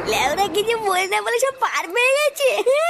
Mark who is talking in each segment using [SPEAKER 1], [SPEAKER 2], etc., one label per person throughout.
[SPEAKER 1] লেওরা কিছু বলে না বলে সব পার পেয়ে গেছে।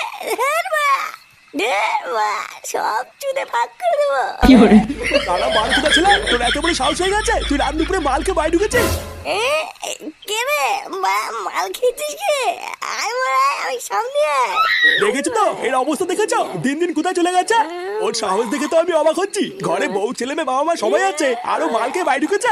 [SPEAKER 1] সব চুদে ফাঁক করে দেবো।
[SPEAKER 2] তারা মাল কোথা ছিল? তোর এত বড় সাহস হয়ে গেছে তুই রাত দুপুরে মালকে বাইরে ঢুকেছিস?
[SPEAKER 1] কে রে মাল খেয়েছিস কে? আমি সামনে আয়।
[SPEAKER 2] দেখেছো তো এর অবস্থা, দেখেছো দিন দিন কোথায় চলে গেছে? ওর সাহস দেখে তো আমি অবাক হচ্ছি। ঘরে বউ ছেলে মেয়ে বাবা মা সবাই আছে, আরো মালকে বাইরে ঢুকেছে।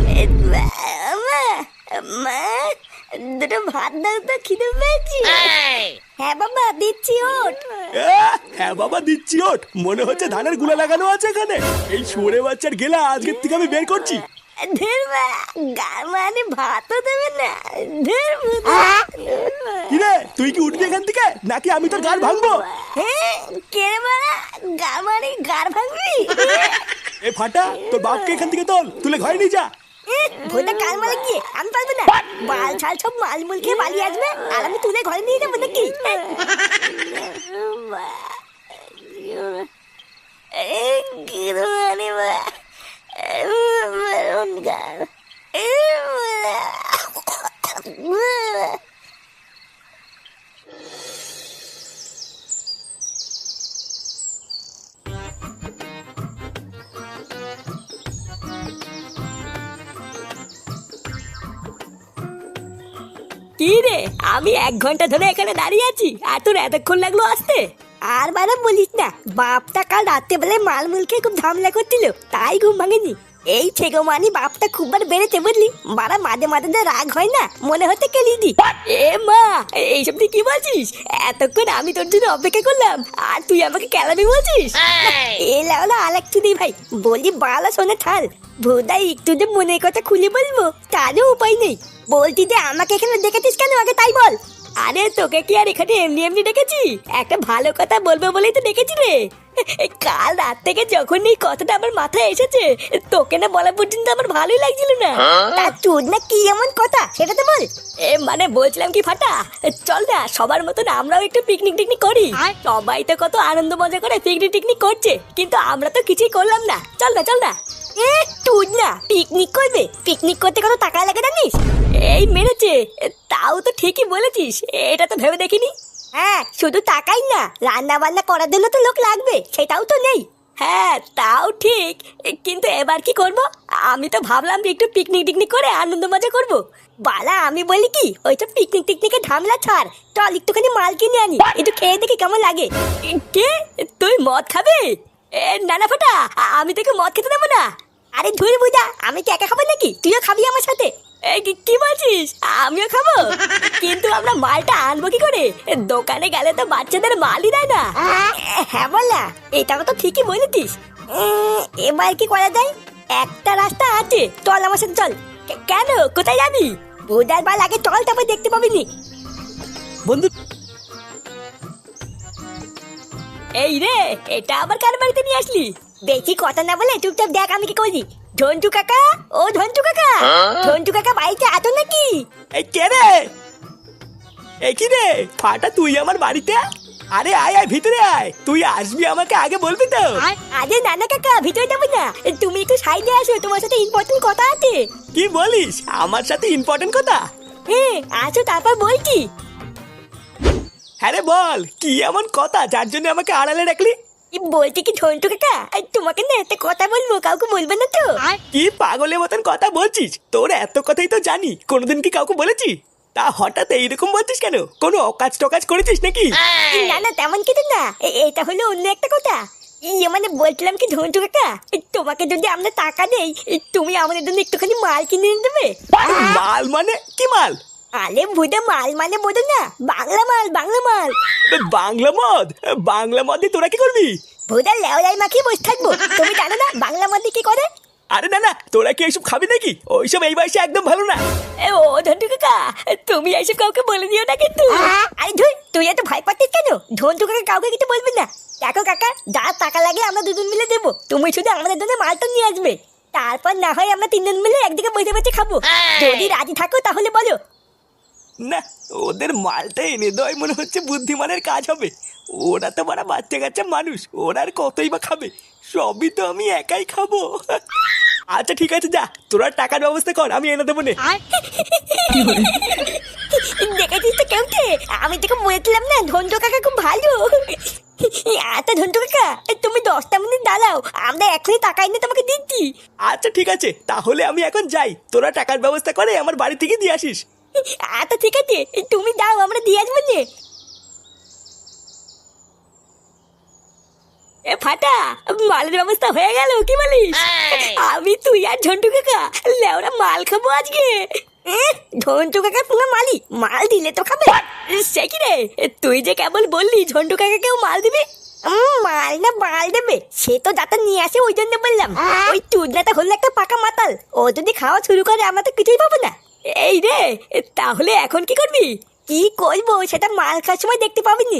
[SPEAKER 1] মা দুটো ভাত দাও তো, খিদে পেয়েছি। হ্যাঁ বাবা দিচ্ছি, ওঠ।
[SPEAKER 2] হ্যাঁ বাবা দিচ্ছি, ওঠ। মনে হচ্ছে ধানের গুলা লাগানো আছে এখানে। এই শুয়োরে বাচ্চার গেলা আজকের থেকে আমি বের করছি।
[SPEAKER 1] মানে ভাতও দেবে না।
[SPEAKER 2] কিরে তুই কি উঠবি এখান থেকে নাকি আমি তোর গাড় ভাঙবো?
[SPEAKER 1] কে রে গার মানে গার ভাঙবি?
[SPEAKER 2] এ ফাটা, তোর বাপকে এখান থেকে তুলে ঘরে নিয়ে যা।
[SPEAKER 1] ভোটা কাল মালে গিয়ে আমি পারবো না। বাল ছাল সব মালমুল খেয়ে পালিয়ে আসবে আর আমি তুলে ঘরে নিয়ে যাবো নাকি? কি রে, আমি 1 ঘন্টা ধরে এখানে দাঁড়িয়ে আছি আর তোর এতক্ষণ লাগলো আসতে? আর বারে বলিস না, বাপটা কাল রাত্রেবেলায় মালমুল খেয়ে খুব ঝামেলা করছিল, তাই ঘুম ভাঙেনি। এই ছেগো মানি বাপটা খুব বার বেড়েছে বুঝলি। বারা মাঝে মাঝে যে রাগ হয় না, মনে হতে কেলিদি। এ মা, এইসব তুই কি বলছিস? এতক্ষণ আমি তোর জন্য অপেক্ষা করলাম আর তুই আমাকে কেলাবি বলছিস? এলা হলো আলেক চুদি ভাই, বলি বালা শোনে থাল। ভোদাই একটু যে মনের কথা খুলে বলবো তারও উপায় নেই। বলতি যে আমাকে এখানে দেখেছিস কেন আগে তাই বল। আরে তোকে কি আর এখানে এমনি এমনি ডেকেছি? একটা ভালো কথা বলবো বলেই তো ডেকেছি রে। কাল রাত থেকে যখন এই কথাটা আমার মাথায় এসেছে, তোকে না বলা পর্যন্ত আমার ভালোই লাগছিল না। তা তোর না কি এমন কথা সেটা তো বল। মানে বলছিলাম কি ফাটা, চল না সবার মতন আমরাও একটু পিকনিক টিকনিক করি। সবাই তো কত আনন্দ মজা করে পিকনিক টিকনিক করছে, কিন্তু আমরা তো কিছুই করলাম না। চল না চল না। তুই না পিকনিক করবে? পিকনিক করতে কত টাকা লাগে জানিস? এই মেরেছে, তাও তো ঠিকই বলেছিস, এটা তো ভেবে দেখিনি। হ্যাঁ, শুধু টাকাই না, রান্না বান্না করার জন্য তো লোক লাগবে, সেটাও তো নেই। হ্যাঁ তাও ঠিক, কিন্তু এবার কি করব? আমি তো ভাবলাম যে একটু পিকনিক টিকনিক করে আনন্দ মজা করব। বালা আমি বলি কি, ওইসব পিকনিক টিকনিকে ঝামেলা ছাড়, চল একটুখানি মাল কিনে আনি, একটু খেয়ে দেখি কেমন লাগে। কে, তুই মদ খাবে? না না ফাটা, আমি তোকে মদ খেতে দেবো না। আরে ধুর বুঝা, আমি কি একা খাবো নাকি? তুইও খাবি আমার সাথে? কি বলছিস? আমিও খাবো? কিন্তু আমরা মালটা আনবো কি করে? দোকানে গেলে তো বাচ্চাদের মালই দেয় না। হ্যাঁ বলা, এটাও তো ঠিকই বলেছিস। এবার কি করা যায়? একটা রাস্তা আছে, চল আমার সাথে চল। কেন, কোথায় যাবি? বুধার বাল আগে চল, তারপর দেখতে পাবি নি।
[SPEAKER 2] বন্ধু
[SPEAKER 1] এই রে, এটা আবার কার বাড়িতে নিয়ে আসলি? বেশি কথা না বলে চুপচাপ দেখ আমি কি করি। ঝন্টু কাকা, ও ঝন্টু কাকা, ঝন্টু কাকা বাড়িতে আছো নাকি?
[SPEAKER 2] এই কে রে? এই কি রে ফাটা, তুই আমার বাড়িতে? আরে আয় আয় ভিতরে আয়, তুই আসবি আমাকে আগে বলবি তো।
[SPEAKER 1] আরে নানা কাকা, ভিতরে যাবো না, তুমি একটু সাইডে আসো, তোমার সাথে ইম্পর্টেন্ট কথা আছে।
[SPEAKER 2] কি বলিস? আমার সাথে ইম্পর্টেন্ট কথা?
[SPEAKER 1] হ্যাঁ আসো, তারপর বলছি।
[SPEAKER 2] হ্যাঁ রে বল, কি এমন কথা যার জন্য আমাকে আড়ালে রাখলি?
[SPEAKER 1] বলছি কি ঝন্টু কাকা, তোমাকে না একটা কথা বলবো, কাউকে বলবে না তো?
[SPEAKER 2] কি পাগলের মতন কথা বলছিস? তোর এত কথাই তো জানি, কোনোদিন কি কাউকে বলেছি? তা হঠাৎ এইরকম বলছিস কেন? কোনো অকাজ টকাজ করেছিস নাকি?
[SPEAKER 1] না না তেমন কিছু না, এটা হলো অন্য একটা কথা। মানে বলছিলাম কি ঝন্টু কাকা, তোমাকে যদি আমরা টাকা দেই, তুমি আমাদের জন্য একটুখানি মাল কিনে এনে দেবে।
[SPEAKER 2] মাল মানে কি মাল?
[SPEAKER 1] আরে বুঝে মাল মানে বোঝো না, বাংলা মাল, বাংলা মাল।
[SPEAKER 2] বাংলা মদ? বাংলা মদ দিয়ে তোরা কি করবি?
[SPEAKER 1] ভুদা লেওলাই মাখিয়ে বসে থাকবো, তুমি জানো না বাংলা মদ দিয়ে কি করে?
[SPEAKER 2] আরে না না, তোরা কি এইসব খাবি নাকি? ওইসব এই বয়সে একদম ভালো না।
[SPEAKER 1] ও ঝন্টু কাকা, তুমি এইসব কাউকে বলে দিও না কিন্তু। আরে ধুই, তুই এত ভয় পাচ্ছিস কেন? ঝন্টু কাকা কাউকে কিছু বলবি না। দেখো কাকা, যা টাকা লাগে আমরা দুজন মিলে দেবো, তুমি শুধু আমাদের জন্য মালটা নিয়ে আসবে। তারপর না হয় আমরা 3 জন মিলে একদিকে বসে বসে খাবো। যদি রাজি থাকো তাহলে বলো।
[SPEAKER 2] না, ওদের মালটা এনে দেওয়াই মনে হচ্ছে বুদ্ধিমানের কাজ হবে। ওরা তো বড় বাচ্চা কাচ্চা মানুষ, ওরা আর কতই বা খাবে? সবই তো আমি একাই খাবো। আচ্ছা ঠিক আছে, যা তোরা টাকার ব্যবস্থা কর, আমি এনে দেবো নে।
[SPEAKER 1] দেখেছিস তো কেউটে, আমি তোকে বলেছিলাম না ঝন্টু কাকা খুব ভালো। আচ্ছা ঝন্টু কাকা, তুমি 10টা মিনিট দাঁড়াও, আমরা এখনই টাকা এনে তোমাকে দিচ্ছি।
[SPEAKER 2] আচ্ছা ঠিক আছে, তাহলে আমি এখন যাই, তোরা টাকার ব্যবস্থা করে আমার বাড়ি থেকে দিয়ে আসিস।
[SPEAKER 1] আচ্ছা ঠিক আছে, তুমি দাও, আমরা দিয়ে আসবো নে। এ ফাটা, মালের ব্যবস্থা হয়ে গেল কি বলিস? আমি তুই আর ঝন্টু কাকা লেওরা মাল খাবো আজকে। ঝন্টু কাকা পুরো মালি, মাল দিলে তো খাবে। সে কি রে, তুই যে কেবল বললি ঝন্টু কাকা কেউ মাল দিবে? মাল না মাল দেবে সে তো যাতে নিয়ে আসে, ওই জন্য বললাম। ওই চুদনাটা হলো একটা পাকা মাতাল, ও যদি খাওয়া শুরু করে আমরা তো কিছুই পাবো না। এই রে, তাহলে এখন কি করবি? কি করবো সেটা মাল খাওয়ার সময় দেখতে পাবিনি।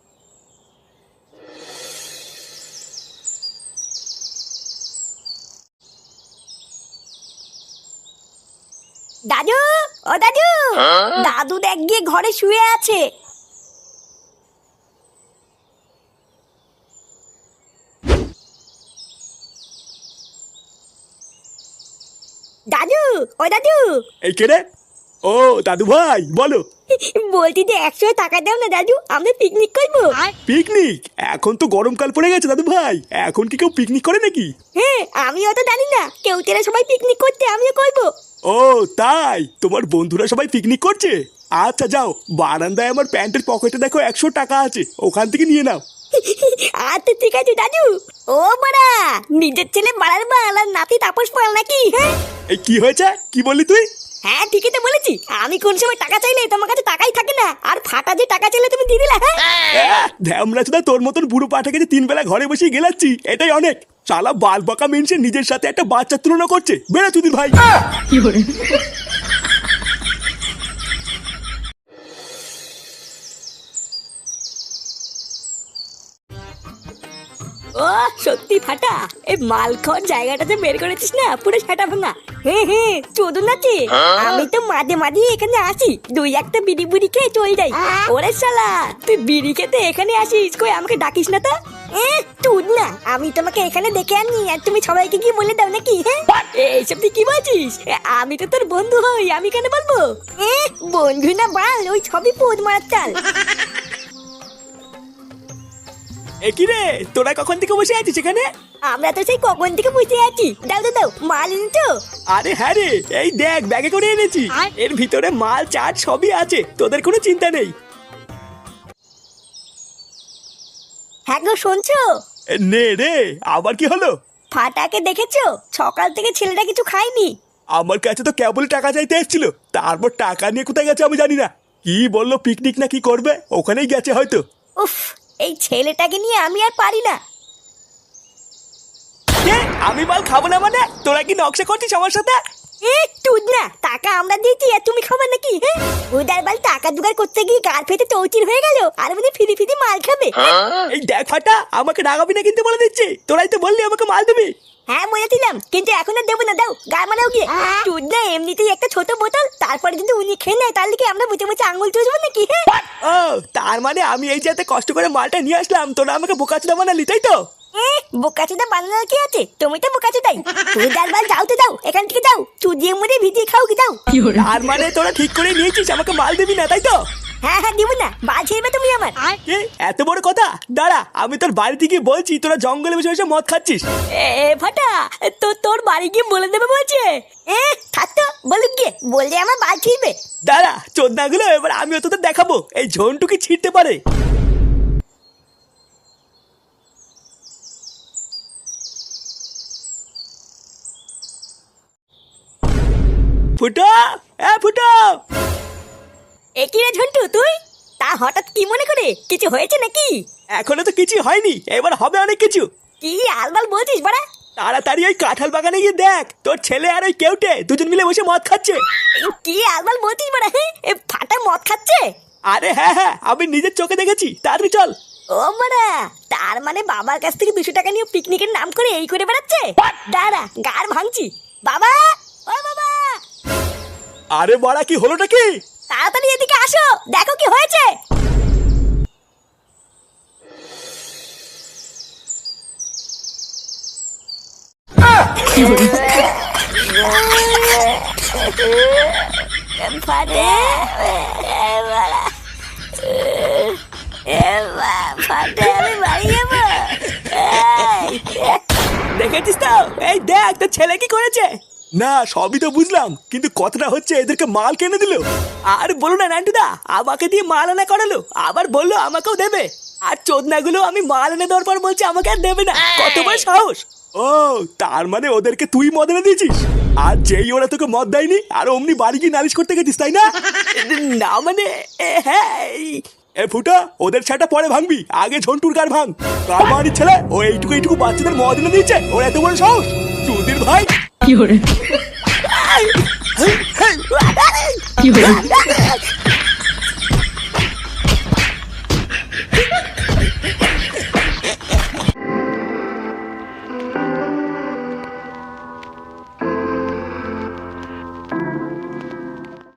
[SPEAKER 1] দাদু, ও দাদু, দাদু দেখ গিয়ে ঘরে শুয়ে আছে। দাদু, ও দাদু।
[SPEAKER 2] এই কে রে? ও দাদু ভাই বলো।
[SPEAKER 1] বলছি যে 100 টাকা দাও না দাদু, আমরা পিকনিক করবো।
[SPEAKER 2] পিকনিক? এখন তো গরমকাল পড়ে গেছে দাদু ভাই, এখন কি কেউ পিকনিক করে নাকি?
[SPEAKER 1] হ্যাঁ, আমিও তো জানি না, কেউ তেরা সবাই পিকনিক করতে, আমিও করবো।
[SPEAKER 2] ও তাই, তোমার বন্ধুরা সবাই পিকনিক করছে? আচ্ছা যাও, বারান্দায় আমার প্যান্টের পকেটে দেখো 100 টাকা আছে, ওখান থেকে নিয়ে নাও।
[SPEAKER 1] আচ্ছা ঠিক আছে দাদু। ও বাড়া, নিজের ছেলে বাড়ার বাল আর নাতি তাপস পাল নাকি? হ্যাঁ
[SPEAKER 2] এই কি হয়েছে, কি বললি তুই?
[SPEAKER 1] হ্যাঁ ঠিকই তো বলেছি, আমি কোন সময় টাকা চাইলে তোমার কাছে টাকাই থাকে না, আর ফাটা যে টাকা চাইলে তুমি দিয়ে দিলা। হ্যাঁ
[SPEAKER 2] ধ্যামরা চোদা, তোর মতন বুড়ো পাঠাকে যে 3 বেলা ঘরে বসে গেলাচ্ছি এটাই অনেক। শালা বাল বাঁকা মেনসে নিজের সাথে একটা বাচ্চার তুলনা করছে, বেড়া চুদির ভাই।
[SPEAKER 1] ও সত্যি ফাটা, এই মাল খাওয়ার জায়গাটাতে বের করেছিস না, পুরো সেটা ভাঙা। হ্যাঁ হ্যাঁ, চোদন আছে। আমি তো মাঝে মাঝে এখানে আসি, 2-1টা বিড়ি বুড়ি খেয়ে চলে যাই। ওরে শালা, তুই বিড়ি খেতে এখানে আসিস, কই আমাকে ডাকিস না তো? তুই না, আমি তোমাকে এখানে দেখে আনি আর তুমি সবাইকে কি বলে দাও নাকি? হ্যাঁ এইসব তুই কি বলছিস? আমি তো তোর বন্ধু হই, আমি কেন বলবো? বন্ধু না বাল, ওই সবই পোদ মারার চাল।
[SPEAKER 2] এ কি রে, তোরা কখন থেকে বসে আছিস এখানে?
[SPEAKER 1] আমরা তো সেই কখন থেকে বুঝতে আছি। দাও দাও দাও, মাল এনেছো?
[SPEAKER 2] আরে হ্যাঁ রে, এই দেখ ব্যাগে করে এনেছি, এর ভিতরে মাল চাট সবই আছে, তোদের কোনো চিন্তা নেই।
[SPEAKER 1] হ্যাঁ গো, শুনছো?
[SPEAKER 2] নে রে, আবার কি হলো?
[SPEAKER 1] ফাটাকে দেখেছো? সকাল থেকে ছেলেটা কিছু খায়নি।
[SPEAKER 2] আমার কাছে তো কেবল টাকা চাইতে এসেছিল, তারপর টাকা নিয়ে কোথায় গেছে আমি জানি না। কি বললো পিকনিক না কি করবে, ওখানেই গেছে হয়তো।
[SPEAKER 1] উফ, এই ছেলেটাকে নিয়ে আমি আর পারি না।
[SPEAKER 2] আমি মাল খাবো না মানে? তোরা কি নকশা করছিস আমার সাথে?
[SPEAKER 1] তুই না, টাকা আমরা দিয়েছি আর তুমি খাবে নাকি? হ্যাঁ, উদার বাল টাকা জোগাড় করতে গিয়ে গাল ফেটে চৌচির হয়ে গেল, আর মানে ফিরি ফিরি মাল খাবে।
[SPEAKER 2] এই দেখ ফাটা, আমাকে রাগাবি না কিন্তু বলে দিচ্ছি, তোরাই তো বললি আমাকে মাল দিবি।
[SPEAKER 1] হ্যাঁ বলেছিলাম, কিন্তু এখন আর দেবো না, দাও গা মারাও গিয়ে। তুই না এমনিতেই একটা ছোট বোতল, তারপরে যদি উনি খেয়ে নেয় তাহলে কি আমরা বুঝে বুঝে আঙুল চুষবো নাকি? হ্যাঁ
[SPEAKER 2] ও তার মানে আমি এই যে এত কষ্ট করে মালটা নিয়ে আসলাম, তোরা আমাকে বোকাচোদা বানালি তাই তো?
[SPEAKER 1] বোকাচোদা বানানোর কি আছে, তুমি তো বোকাচোদাই। তুই ডালবাল যাও তো যাও, এখান থেকে যাও, চুদিয়ে মুড়ে ভিজিয়ে খাও কি যাও।
[SPEAKER 2] তার মানে তোরা ঠিক করে নিয়েছিস আমাকে মাল দিবি না তাই তো?
[SPEAKER 1] হ্যাঁ হ্যাঁ, দিব না, বাল ছেড়বে তুমি আমার।
[SPEAKER 2] এত বড় কথা? দাঁড়া, আমি তোর বাড়িতে গিয়ে বলছি তোরা জঙ্গলে বসে বসে মদ খাচ্ছিস।
[SPEAKER 1] ফাটা, তোর বাড়ি গিয়ে বলে দেবে বলছে। থাকতো বলুক গিয়ে, বললে আমার বাল ছিড়বে।
[SPEAKER 2] দাঁড়া চোদনাগুলো, এবার আমিও তোদের দেখাবো এই ঝন্টুকে ছিঁড়তে পারে। ফুটো, ফুটো।
[SPEAKER 1] কি রে ঝন্টু তুই? তা হঠাৎ কি মনে করে, কিছু হয়েছে নাকি?
[SPEAKER 2] এখনো তো কিছু হয়নি, এবার হবে অনেক কিছু।
[SPEAKER 1] কি আলবাল বলছিস বাড়া?
[SPEAKER 2] তাড়াতাড়ি ওই কাঁঠাল বাগানে গিয়ে দেখ, তোর ছেলে আর ওই কেউটে দুজন মিলে বসে মদ খাচ্ছে।
[SPEAKER 1] কি আলবাল বলছিস বাড়া? ফাটা মদ খাচ্ছে?
[SPEAKER 2] আরে হ্যাঁ হ্যাঁ, আমি নিজের চোখে দেখেছি, তাড়াতাড়ি চল।
[SPEAKER 1] ও বাড়া, তার মানে বাবার কাছ থেকে 200 টাকা নিয়ে পিকনিকের নাম করে এই করে বেড়াচ্ছে। দাঁড়া, গার ভাঙছি। বাবা, ও বাবা।
[SPEAKER 2] আরে বড়া, কি হলোটা কি?
[SPEAKER 1] তাড়াতাড়ি এদিকে আসো, দেখো কি হয়েছে। ফাটে ফাটে আমি বাড়ি যাবো।
[SPEAKER 2] দেখেছিস তো, এই দেখ তোর ছেলে কি করেছে। না সবই তো বুঝলাম, কিন্তু কথাটা হচ্ছে এদেরকে মাল কিনে দিল। আর বলো না নান্টুদা, আমাকে দিয়ে মাল আনা করালো, আবার বললো আমাকেও দেবে। আর চোদনাগুলো আমি মাল এনে দেওয়ার পর বলছে আমাকে আর দেবে না। কত বড় সাহস! ও তার মানে ওদেরকে তুই মদ এনে দিয়েছিস, আর যেই ওরা তোকে মদ দেয়নি আর অমনি বাড়ি গিয়ে নালিশ করতে গেছিস, তাই না? না মানে হ্যাঁ। এ ফুটা, ওদের ছাটা পরে ভাঙবি, আগে ঝন্টুর গার ভাঙ। কার বাড়ির ছেলে ও এইটুকু এইটুকু বাচ্চাদের মদ এনে দিয়েছে, ওর এত বড় সাহস! চুদির ভাই
[SPEAKER 3] কি হরে কি হরে